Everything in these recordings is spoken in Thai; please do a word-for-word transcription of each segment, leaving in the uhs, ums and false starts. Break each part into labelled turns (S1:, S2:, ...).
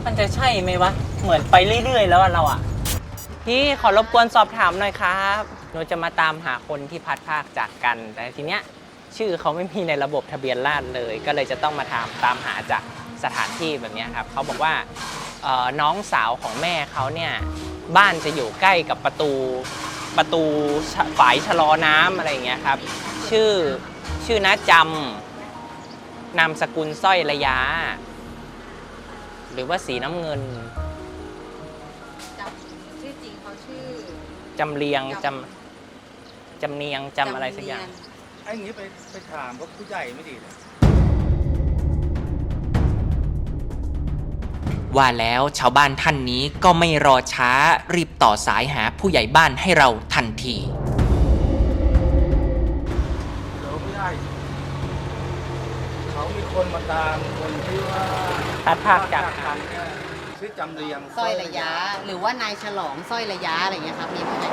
S1: มันจะใช่ไหมวะเหมือนไปเรื่อยๆแล้วเราอ่ะพี่ขอรบกวนสอบถามหน่อยครับหนูจะมาตามหาคนที่พัดภาคจากกันแต่ทีเนี้ยชื่อเขาไม่มีในระบบทะเบียนราษฎร์เลยก็เลยจะต้องมาถามตามหาจากสถานที่แบบนี้ครับเขาบอกว่าน้องสาวของแม่เขาเนี่ยบ้านจะอยู่ใกล้กับประตูประตูฝายชะลอน้ำอะไรอย่างเงี้ยครับชื่อชื่อน้าจำนามสกุลสร้อยระยะหรือว่าสีน้ำเงิน
S2: จำชื่อจริงเขาชื่อ
S1: จำเรียงจำจำเนียงจำอะไรสักอย่าง
S3: ไอ้อย่างนี้ไปไปถามก็ผู้ใหญ่ไม่ดีเลย
S4: ว่าแล้วชาวบ้านท่านนี้ก็ไม่รอช้ารีบต่อสายหาผู้ใหญ่บ้านให้เราทันที
S3: เดี๋ยวผู้ใหญ่เขามีคนมาตามคนที่ว่า
S1: พัดภาคจาก
S3: กันชื่อจำเรียง
S2: สร้อยระยะหรือว่านายฉลองสร้อยระยะอะไรเงี้ยครับมีไหม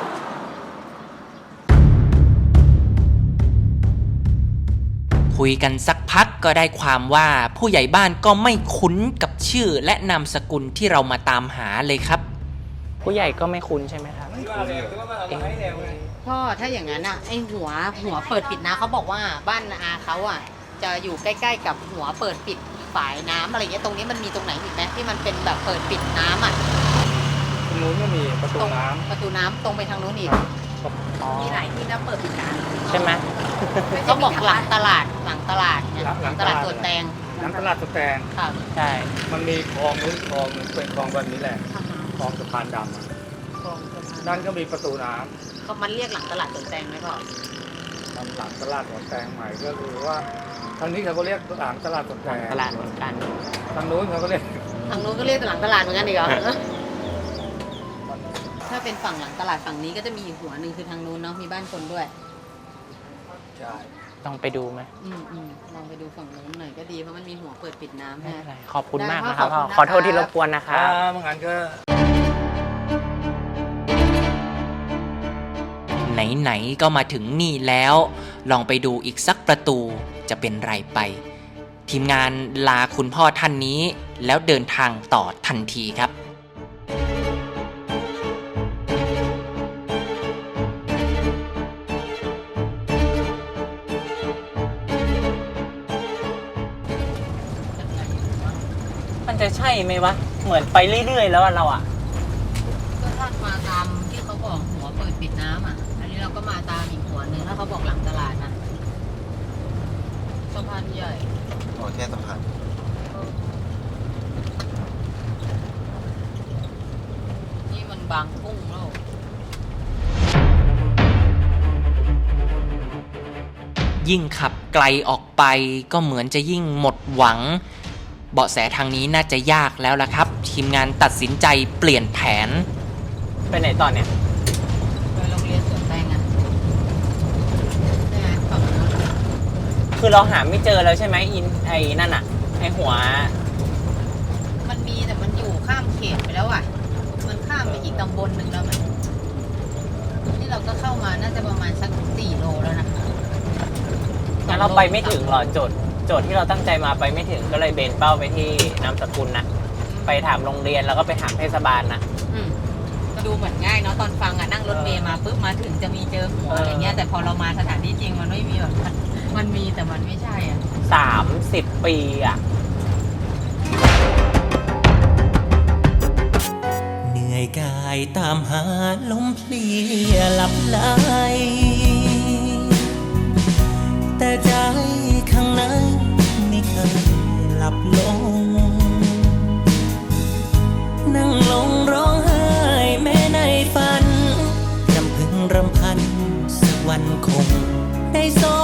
S4: คุยกันสักพักก็ได้ความว่าผู้ใหญ่บ้านก็ไม่คุ้นกับชื่อและนามสกุลที่เรามาตามหาเลยครับ
S1: ผู้ใหญ่ก็ไม่คุ้นใช่ไหมครับ
S2: พ่อถ้าอย่างนั้นอ่ะไอหัวหัวเปิดปิดน้ำเขาบอกว่าบ้านอาเขาอ่ะจะอยู่ใกล้ๆกับหัวเปิดปิดฝายน้ำอะไรเงี้ยตรงนี้มันมีตรงไหนอีกไหมที่มันเป็นแบบเปิดปิดน้ำอ่ะ
S3: ตรงนู้นก็มีประตูน้
S2: ำประตูน้ำตรงไปทางนู้นอีกมีหลายที่นะเปิดปิดน้ำ
S1: ใช่ไหม
S2: ก็บอกหลังตลาดหลังตลาดเนี่ยหลังตลาดสวนแตง
S3: หลังตลาดสวนแตง
S2: ค่ะ
S1: ใช่
S3: มันมีคลองนู้นคลองนึงเป็นคลองแบบนี้แหละคลองสะพานดำนั่นก็มีประตูน้
S2: ำเขามันเรียกหลังตลาดสวนแตงไหมพ่อ
S3: หลังตลาดสวนแตงใหม่ก็คือว่าทางนี้เขาก็เรียกหลังตลาดสวนแตง
S1: ตลาดเหมือนกัน
S3: ทางนู้นเขาก็เรียก
S2: ทางนู้นก็เรียกหลังตลาดเหมือนกันอีกเหรอถ้าเป็นฝั่งหลังตลาดฝั่งนี้ก็จะมีอีกหัวหนึ่งคือทางนู้นเนาะมีบ้านคนด้วย
S3: ใช่
S1: ต้องไปดูไหม
S2: อืมอืมลองไปดูฝั่งนู้นหน่อยก็ดีเพราะมันมีหัวเปิดปิดน้ำ
S1: ใช่
S2: ไหม
S1: ขอบคุณมากนะครับพ่อขอโทษที่รบกวนนะครับ
S3: เมื่องั้นก็
S4: ไหนๆก็มาถึงนี่แล้วลองไปดูอีกสักประตูจะเป็นไรไปทีมงานลาคุณพ่อท่านนี้แล้วเดินทางต่อทันทีครับ
S1: มันจะใช่ไหมวะเหมือนไปเรื่อยๆแล้วเราอ่ะ
S2: ก็ถ้ามาตามที่เขาบอกหัวเปิดปิดน้ำอ่ะอันนี้เราก็มาตามอีกหัวหนึ่งถ้าเขาบอกหลังตลาดนะสะพานใหญ่
S3: โอ้แค่สะพาน
S2: นี่มันบางกุ้งแล้ว
S4: ยิ่งขับไกลออกไปก็เหมือนจะยิ่งหมดหวังเบาะแสทางนี้น่าจะยากแล้วล่ะครับทีมงานตัดสินใจเปลี่ยนแผน
S1: ไปไหนตอนเนี้ย
S2: ไปโรงเรียนสวนแตงอ่ะใช่ไหมฝั่งนู้น
S1: คือเราหาไม่เจอแล้วใช่ไหมอินไอ้นั่นอ่ะไอ้หัว
S2: มันมีแต่มันอยู่ข้ามเขตไปแล้วอ่ะมันข้ามไปอีกตำบลหนึ่งแล้วไหมที่เราก็เข้ามาน่าจะประมาณสักสี่โลแล้วนะ
S1: งั้นเราไปไม่ถึงหรอโจทย์โจทย์ที่เราตั้งใจมาไปไม่ถึงก็เลยเบนเป้าไปที่นามสกุลนะไปถามโรงเรียนแล้วก็ไปถามเทศบาลนะ
S2: ก็ดูเหมือนง่ายเนาะตอนฟังอ่ะนั่งรถเมล์มาปุ๊บมาถึงจะมีเจอหัวอะไรเงี้ยแต่พอเรามาสถานที่จริงมันไม่มีแบบมันมีแต่มันไม่ใช่อ่ะ
S1: สามสิบปีอ่ะ
S4: เหนื่อยกายตามหาลมเพลียหลับไหลแต่ใจข้างในไม่เคยหลับลงนั่งลงร้องไห้แม้ในฝันรำพึงรำพันสักวันคงได้ส